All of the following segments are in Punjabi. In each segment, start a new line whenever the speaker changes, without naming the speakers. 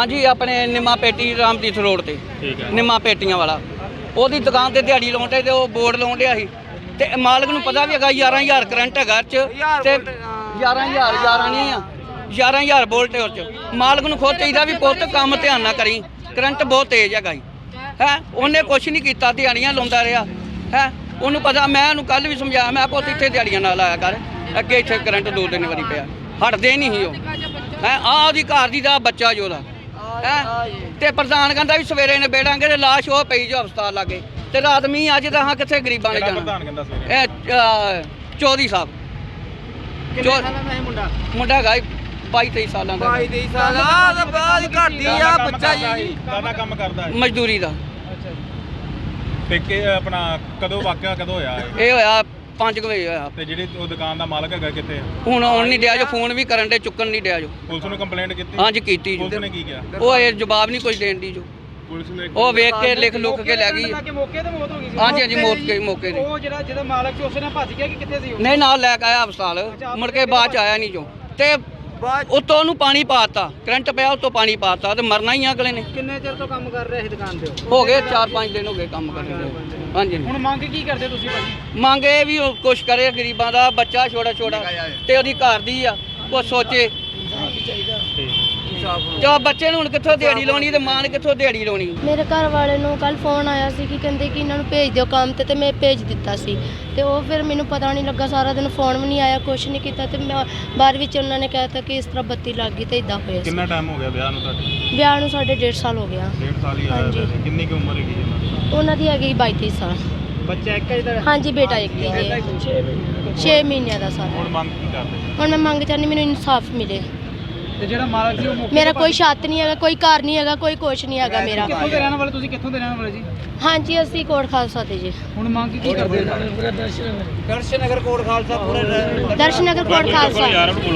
हाँ जी, अपने निम्मा पेटी रामतीर्थ रोड ते निम्मा पेटियां वाला ਉਹਦੀ ਦੁਕਾਨ ਤੇ ਦਿਹਾੜੀ ਲਾਉਂਦੇ ਤੇ ਉਹ ਬੋਰਡ ਲਾਉਣ ਡਿਆ ਸੀ ਤੇ ਮਾਲਕ ਨੂੰ ਪਤਾ ਵੀ ਹੈਗਾ 11000 ਕਰੰਟ ਹੈਗਾ ਚ ਤੇ 11000 ਨਹੀਂ ਆ 11000 ਵੋਲਟ ਉਹ ਚ ਮਾਲਕ ਨੂੰ ਖੁਦ ਚਾਹੀਦਾ ਵੀ ਪੁੱਤ ਕੰਮ ਧਿਆਨ ਨਾਲ ਕਰੀ ਕਰੰਟ ਬਹੁਤ ਤੇਜ਼ ਹੈਗਾ ਹੈ ਉਹਨੇ ਕੁਛ ਨਹੀਂ ਕੀਤਾ ਦਿਹਾੜੀਆਂ ਲਾਉਂਦਾ ਰਿਹਾ ਹੈ ਉਹਨੂੰ ਪਤਾ ਮੈਂ ਉਹਨੂੰ ਕੱਲ ਵੀ ਸਮਝਾਇਆ ਮੈਂ ਪੁੱਤ ਇੱਥੇ ਦਿਹਾੜੀਆਂ ਨਾਲ ਆਇਆ ਕਰ ਅੱਗੇ ਇੱਥੇ ਕਰੰਟ 2-3 ਵਾਰੀ ਪਿਆ ਹਟਦੇ ਨਹੀਂ ਸੀ ਉਹ ਹੈ ਆਹ ਉਹਦੀ ਘਰ ਦੀ ਦਾ ਬੱਚਾ ਜੋ ਉਹਦਾ ਤੇ ਪ੍ਰਧਾਨ ਕਹਿੰਦਾ ਵੀ ਸਵੇਰੇ ਨੇ ਬੇੜਾਂਗੇ ਤੇ ਲਾਸ਼ ਉਹ ਪਈ ਜੋ ਹਸਪਤਾਲ ਲਾਗੇ ਤੇ ਰਾਤ ਮੀਂਹ ਅੱਜ ਤਾਂ ਹਾਂ ਕਿੱਥੇ ਗਰੀਬਾਂ ਨੇ ਜਾਣਾ ਇਹ ਚੌਧਰੀ ਸਾਹਿਬ ਮੁੰਡਾ ਹੈਗਾ 22-23 ਸਾਲਾਂ ਦਾ
22-23 ਸਾਲ ਦਾ ਬਾਅਦ ਘਟਦੀ ਆ ਬੱਚਾ ਜੀ
ਕਾਹਦਾ ਕੰਮ ਕਰਦਾ ਹੈ
ਮਜ਼ਦੂਰੀ ਦਾ
ਤੇ ਕਿ ਆਪਣਾ ਕਦੋਂ ਵਾਕਿਆ ਕਦੋਂ ਹੋਇਆ
ਇਹ ਹੋਇਆ 5 ਵਜੇ ਹੋਇਆ
ਤੇ ਜਿਹੜੀ ਉਹ ਦੁਕਾਨ ਦਾ ਮਾਲਕ ਹੈਗਾ ਕਿੱਥੇ
ਹੁਣ ਆਉਣ ਨਹੀਂ ਡਿਆ ਜੋ ਫੋਨ ਵੀ ਕਰਨ ਦੇ ਚੁੱਕਣ ਨਹੀਂ ਡਿਆ ਜੋ
ਪੁਲਿਸ ਨੂੰ ਕੰਪਲੇਂਟ ਕੀਤੀ
ਹਾਂਜੀ ਕੀਤੀ
ਪੁਲਿਸ ਨੇ ਕੀ ਕਿਹਾ
ਉਹ ਇਹ ਜਵਾਬ ਨਹੀਂ ਕੁਝ ਦੇਣ ਦੀ ਜੋ
ਪੁਲਿਸ ਨੇ
ਉਹ ਵੇਖ ਕੇ ਲਿਖ ਲੁੱਕ ਕੇ ਲੈ ਗਈ
ਮੌਕੇ ਤੇ ਮੌਤ ਹੋ ਗਈ ਸੀ
ਹਾਂਜੀ ਹਾਂਜੀ ਮੌਕੇ ਤੇ
ਉਹ ਜਿਹਦਾ ਮਾਲਕ ਸੀ ਉਸੇ ਨਾਲ ਭੱਜ ਗਿਆ ਕਿ ਕਿੱਥੇ ਸੀ ਉਹ
ਨਹੀਂ ਨਾਲ ਲੈ ਕੇ ਆਇਆ ਹਸਪਤਾਲ ਮੁੜ ਕੇ ਬਾਅਦ ਚ ਆਇਆ ਨਹੀਂ ਜੋ ਤੇ ਉੱਤੋਂ ਉਹਨੂੰ ਪਾਣੀ ਪਾਤਾ ਕਰੰਟ ਪਿਆ ਉੱਤੋਂ ਪਾਣੀ ਪਾਤਾ ਤੇ ਮਰਨਾ ਹੀ ਆ ਅਗਲੇ ਨੇ
ਕਿੰਨੇ ਚਿਰ ਤੋਂ ਕੰਮ ਕਰ ਰਹੇ ਸੀ ਦੁਕਾਨ ਤੇ
ਹੋ ਗਏ 4-5 ਦਿਨ ਹੋ ਗਏ ਕੰਮ ਕਰਦੇ ਹਾਂਜੀ
ਹੁਣ ਮੰਗ ਕੀ ਕਰਦੇ ਤੁਸੀਂ ਭਾਜੀ
ਮੰਗ ਇਹ ਵੀ ਉਹ ਕੁਛ ਕਰੇ ਗਰੀਬਾਂ ਦਾ ਬੱਚਾ ਛੋਟਾ ਤੇ ਉਹਦੀ ਘਰ ਦੀ ਆ ਉਹ ਸੋਚੇ ਤੇ ਬੱਚੇ ਨੂੰ ਹੁਣ ਕਿੱਥੋਂ ਦਿਹਾੜੀ ਲਾਉਣੀ ਤੇ ਮਾਂ ਨੇ ਕਿੱਥੋਂ ਦਿਹਾੜੀ ਲਾਉਣੀ
ਮੇਰੇ ਘਰ ਵਾਲੇ ਨੂੰ ਕੱਲ ਫੋਨ ਆਇਆ ਸੀ ਕਿ ਕਹਿੰਦੇ ਕਿ ਇਹਨਾਂ ਨੂੰ ਭੇਜ ਦਿਓ ਕੰਮ ਤੇ ਮੈਂ ਭੇਜ ਦਿੱਤਾ ਸੀ ਤੇ ਉਹ ਫਿਰ ਮੈਨੂੰ ਪਤਾ ਨਹੀਂ ਲੱਗਾ ਸਾਰਾ ਦਿਨ ਫੋਨ ਵੀ ਨਹੀਂ ਆਇਆ ਕੁਛ ਨਹੀਂ ਕੀਤਾ ਤੇ ਮੈਂ ਬਾਅਦ ਵਿੱਚ ਉਹਨਾਂ ਨੇ ਕਹਿਤਾ ਕਿ ਇਸ ਤਰ੍ਹਾਂ ਬੱਤੀ ਲੱਗ ਗਈ ਤੇ ਇਦਾਂ ਹੋਇਆ ਸੀ
ਕਿੰਨਾ ਟਾਈਮ ਹੋ ਗਿਆ ਵਿਆਹ ਨੂੰ ਤੁਹਾਡੇ
ਵਿਆਹ ਨੂੰ ਸਾਡੇ 1.5 ਸਾਲ ਹੋ ਗਿਆ
1.5 ਸਾਲ ਹੀ ਆਇਆ ਕਿੰਨੀ ਕੁ ਉਮਰ ਹੈਗੀ
ਉਹਨਾਂ ਦੀ ਹੈਗੀ 22-23 ਸਾਲ
ਬੱਚਾ ਇੱਕ ਜਿਹੜਾ
ਹਾਂਜੀ ਬੇਟਾ ਇੱਕ ਹੀ ਹੈ 6 ਮਹੀਨਿਆਂ ਦਾ ਸਾਰਾ
ਹੁਣ ਮੰਗ ਕੀ ਕਰਦੇ
ਹੁਣ ਮੈਂ ਮੰਗ ਚਾਹੁੰਦੀ ਮੈਨੂੰ ਇਨਸਾਫ ਮਿਲੇ
ਤੇ ਜਿਹੜਾ ਮਾਲਕ ਸੀ ਉਹ
ਮੇਰਾ ਕੋਈ ਛੱਤ ਨਹੀਂ ਹੈਗਾ ਕੋਈ ਘਰ ਨਹੀਂ ਹੈਗਾ ਕੋਈ ਕੁਛ ਨਹੀਂ ਹੈਗਾ ਮੇਰਾ
ਕਿੱਥੋਂ ਦੇ ਰਹਿਣ ਵਾਲੇ ਤੁਸੀਂ ਕਿੱਥੋਂ ਦੇ ਰਹਿਣ ਵਾਲੇ ਜੀ
ਹਾਂਜੀ ਅਸੀਂ ਕੋਟ ਖਾਲਸਾ ਤੇ ਜੀ
ਹੁਣ ਮੰਗ ਕੀ ਕਰਦੇ ਦਰਸ਼ਨਗਰ ਕੋਟ ਖਾਲਸਾ ਪੂਰੇ
ਦਰਸ਼ਨਗਰ ਕੋਟ ਖਾਲਸਾ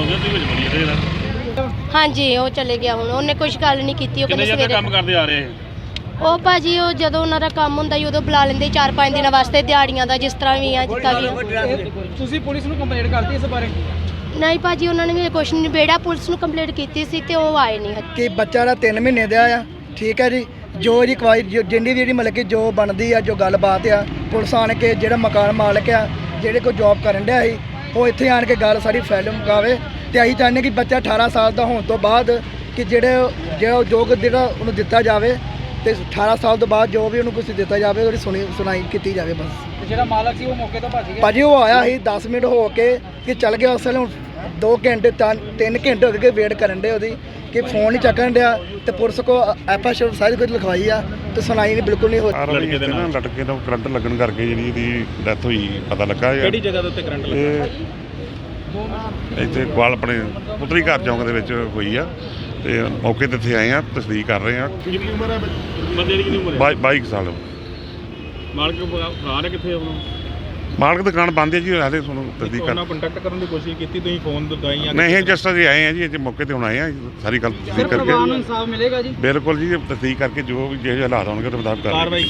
ਹਾਂਜੀ ਉਹ ਚਲੇ ਗਿਆ ਹੁਣ ਉਹਨੇ ਕੁਝ ਗੱਲ ਨਹੀਂ ਕੀਤੀ ਉਹ ਕਹਿੰਦੇ ਸਵੇਰੇ
ਕੰਮ ਕਰਦੇ ਆ ਰਹੇ
ਉਹ ਭਾਜੀ ਉਹ ਜਦੋਂ ਉਹਨਾਂ ਦਾ ਕੰਮ ਹੁੰਦਾ ਸੀ ਉਦੋਂ ਬੁਲਾ ਲੈਂਦੇ 4-5 ਦਿਨਾਂ ਵਾਸਤੇ ਦਿਹਾੜੀਆਂ ਦਾ ਜਿਸ ਤਰ੍ਹਾਂ ਵੀ ਆ ਜਿੱਦਾਂ ਵੀ
ਤੁਸੀਂ ਪੁਲਿਸ ਨੂੰ ਕੰਪਲੇਂਟ ਕਰਤੀ ਇਸ ਬਾਰੇ
ਨਹੀਂ ਭਾਜੀ ਉਹਨਾਂ ਨੇ ਮੇਰੇ ਕੁਛ ਨਹੀਂ ਬੇੜਾ ਪੁਲਿਸ ਨੂੰ ਕੰਪਲੇਂਟ ਕੀਤੀ ਸੀ ਤੇ ਉਹ ਆਏ ਨਹੀਂ
ਕਿ ਬੱਚਾ ਦਾ 3 ਮਹੀਨੇ ਦਾ ਆ ਠੀਕ ਹੈ ਜੀ ਜੋ ਇਹਦੀ ਕਵਾਈ ਜਿੰਨੀ ਵੀ ਜਿਹੜੀ ਮਤਲਬ ਕਿ ਜੋ ਬਣਦੀ ਆ ਜੋ ਗੱਲਬਾਤ ਆ ਪੁਲਿਸ ਆਣ ਕੇ ਜਿਹੜਾ ਮਕਾਨ ਮਾਲਕ ਆ ਜਿਹੜੇ ਕੋਈ ਜੌਬ ਕਰਨ ਡਿਆ ਸੀ ਉਹ ਇੱਥੇ ਆਣ ਕੇ ਗੱਲ ਸਾਰੀ ਫੈਲ ਮੁਕਾਵੇ ਤੇ ਅਸੀਂ ਚਾਹੁੰਦੇ ਕਿ ਬੱਚਾ 18 ਸਾਲ ਦਾ ਹੋਣ ਤੋਂ ਬਾਅਦ ਕਿ ਜਿਹੜਾ ਉਹਨੂੰ ਦਿੱਤਾ ਜਾਵੇ ਤੇ 18 ਸਾਲ ਤੋਂ ਬਾਅਦ ਜੋ ਵੀ ਉਹਨੂੰ ਕੁਝ ਦਿੱਤਾ ਜਾਵੇ ਉਹਦੀ ਸੁਣਾਈ ਕੀਤੀ ਜਾਵੇ ਬਸ
ਜਿਹੜਾ ਮਾਲਕ ਸੀ ਉਹ ਮੌਕੇ ਤੋਂ ਭੱਜ ਗਿਆ
ਭਾਜੀ ਉਹ ਆਇਆ ਸੀ 10 ਮਿੰਟ ਹੋ ਕੇ ਕਿ ਚੱਲ ਗਿਆ ਉਸ ਵੇਲੇ 2 ਘੰਟੇ 3 ਘੰਟੇ ਹੋ ਗਏ ਵੇਟ ਕਰਨ ਦੇ ਉਹਦੀ ਕਿ ਫੋਨ ਨਹੀਂ ਚੱਕਣ ਡਿਆ ਤੇ ਪੁਲਿਸ ਕੋ ਐਫਆਈਆਰ ਸਾਰੀ ਕੁਝ ਲਿਖਵਾਈ ਆ ਤੇ ਸੁਣਾਈ ਨਹੀਂ ਬਿਲਕੁਲ ਨਹੀਂ ਹੋ
ਲੜਕੇ ਦੇ ਨਾਲ
ਲੜਕੇ ਦਾ ਕਰੰਟ ਲੱਗਣ ਕਰਕੇ ਜਿਹੜੀ ਇਹਦੀ ਡੈਥ ਹੋਈ ਪਤਾ ਲੱਗਾ
ਕਿਹੜੀ ਜਗ੍ਹਾ ਦੇ ਉੱਤੇ ਕਰੰਟ ਲੱਗਾ
ਇੱਥੇ ਕੋਲ ਆਪਣੇ ਪੁੱਤਰੀ ਘਰ ਚੌਂਕ ਦੇ ਵਿੱਚ ਹੋਈ ਆ ਤੇ ਮੌਕੇ ਤੇ ਇੱਥੇ ਆਏ ਆ ਤਸਦੀਕ ਕਰ ਰਹੇ ਆ
ਕਿੰਨੀ ਉਮਰ ਹੈ ਬੰਦੇ ਦੀ ਕਿੰਨੀ ਉਮਰ ਹੈ
22 ਸਾਲ
ਮਾਲਕ ਭਰਾ ਨੇ ਕਿੱਥੇ ਉਹਨੂੰ
ਮਾਲਕ ਦੁਕਾਨ ਬੰਦ ਹੈ ਜੀ ਹਾਲੇ ਤੁਹਾਨੂੰ ਤਸਦੀਕ ਕਰ
ਉਹਨਾਂ ਕੰਟੈਕਟ ਕਰਨ ਦੀ ਕੋਸ਼ਿਸ਼ ਕੀਤੀ ਤੁਸੀਂ ਫੋਨ ਦਵਾਈਆਂ
ਨਹੀਂ ਇਹ ਜਸਟ ਅਸੀਂ ਆਏ ਆ ਜੀ ਇੱਥੇ ਮੌਕੇ ਤੇ ਹੁਣ ਆਏ ਆ ਸਾਰੀ ਗੱਲ ਤਸਦੀਕ
ਪਰਿਵਾਰ ਨੂੰ
ਕਰਕੇ
ਇਨਸਾਫ ਮਿਲੇਗਾ ਜੀ
ਬਿਲਕੁਲ ਜੀ ਤਸਦੀਕ ਕਰਕੇ ਜੋ ਵੀ ਜਿਹੇ ਹਾਲਾਤ ਹੋਣਗੇ ਉਹਦੇ ਮੁਤਾਬਕ ਕਰ
ਕਾਰਵਾਈ